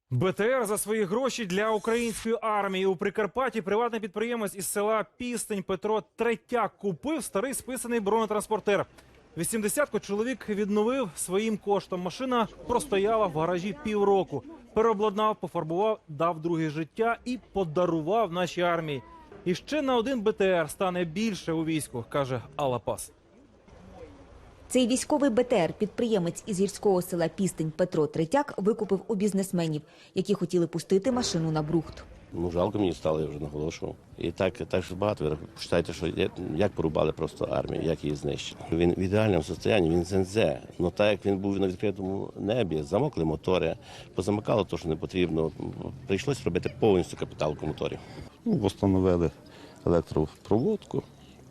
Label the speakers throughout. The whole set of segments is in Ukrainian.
Speaker 1: БТР за свої гроші для української армії. У Прикарпатті приватний підприємець із села Пістень Петро Третяк купив старий списаний бронетранспортер. 80-ку чоловік відновив своїм коштом. Машина простояла в гаражі півроку. Переобладнав, пофарбував, дав друге життя і подарував нашій армії. І ще на один БТР стане більше у війську, каже Алла Пас.
Speaker 2: Цей військовий БТР підприємець із гірського села Пістень Петро Третяк викупив у бізнесменів, які хотіли пустити машину на брухт.
Speaker 3: Жалко мені стало, я вже наголошував. І так ж багато. Ви почитайте, що як порубали просто армію, як її знищили. Він в ідеальному стані, він ЗНЗ. Ну так як він був на відкритому небі, замокли мотори, позамикало те, що не потрібно. Прийшлось робити повністю капіталку моторів.
Speaker 4: Встановили електропроводку,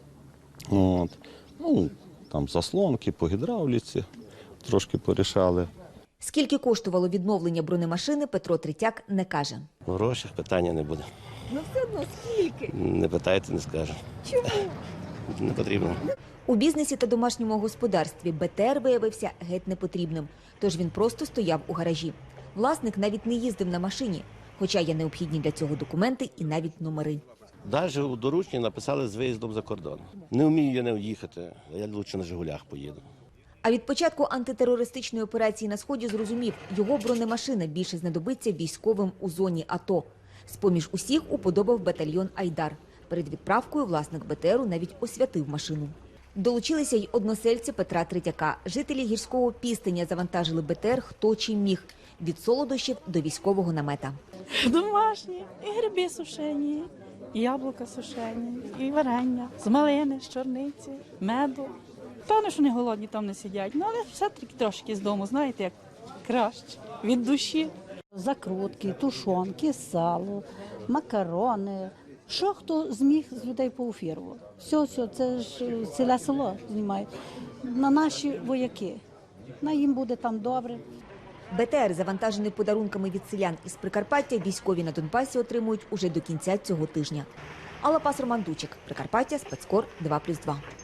Speaker 4: там заслонки по гідравліці трошки порішали.
Speaker 2: Скільки коштувало відновлення бронемашини, Петро Третяк не каже.
Speaker 3: В грошах питання не буде.
Speaker 2: Ну все одно скільки?
Speaker 3: Не питайте, не скажу.
Speaker 2: Чому?
Speaker 3: Не потрібно.
Speaker 2: У бізнесі та домашньому господарстві БТР виявився геть непотрібним, тож він просто стояв у гаражі. Власник навіть не їздив на машині, хоча є необхідні для цього документи і навіть номери.
Speaker 3: Навіть у доручні написали з виїздом за кордон. Не вмію я не їхати, а я краще на «Жигулях» поїду.
Speaker 2: А від початку антитерористичної операції на Сході зрозумів, його бронемашина більше знадобиться військовим у зоні АТО. З-поміж усіх уподобав батальйон «Айдар». Перед відправкою власник БТРу навіть освятив машину. Долучилися й односельці Петра Третяка. Жителі гірського Пістеня завантажили БТР хто чим міг – від солодощів до військового намета.
Speaker 5: Домашні, і гриби сушені, і яблука сушені, і варення, з малини, з чорниці, меду. Певно, що не голодні там не сидять, але все-таки трошки з дому, знаєте, як краще, від душі.
Speaker 6: Закрутки, тушонки, сало, макарони. Що хто зміг з людей поуфірував. Все, це ж ціле село знімає. На наші вояки. На їм буде там добре.
Speaker 2: БТР, завантажений подарунками від селян із Прикарпаття, військові на Донбасі отримують уже до кінця цього тижня. Алла Пас, Роман Дучик, Прикарпаття, Спецкор 2+2.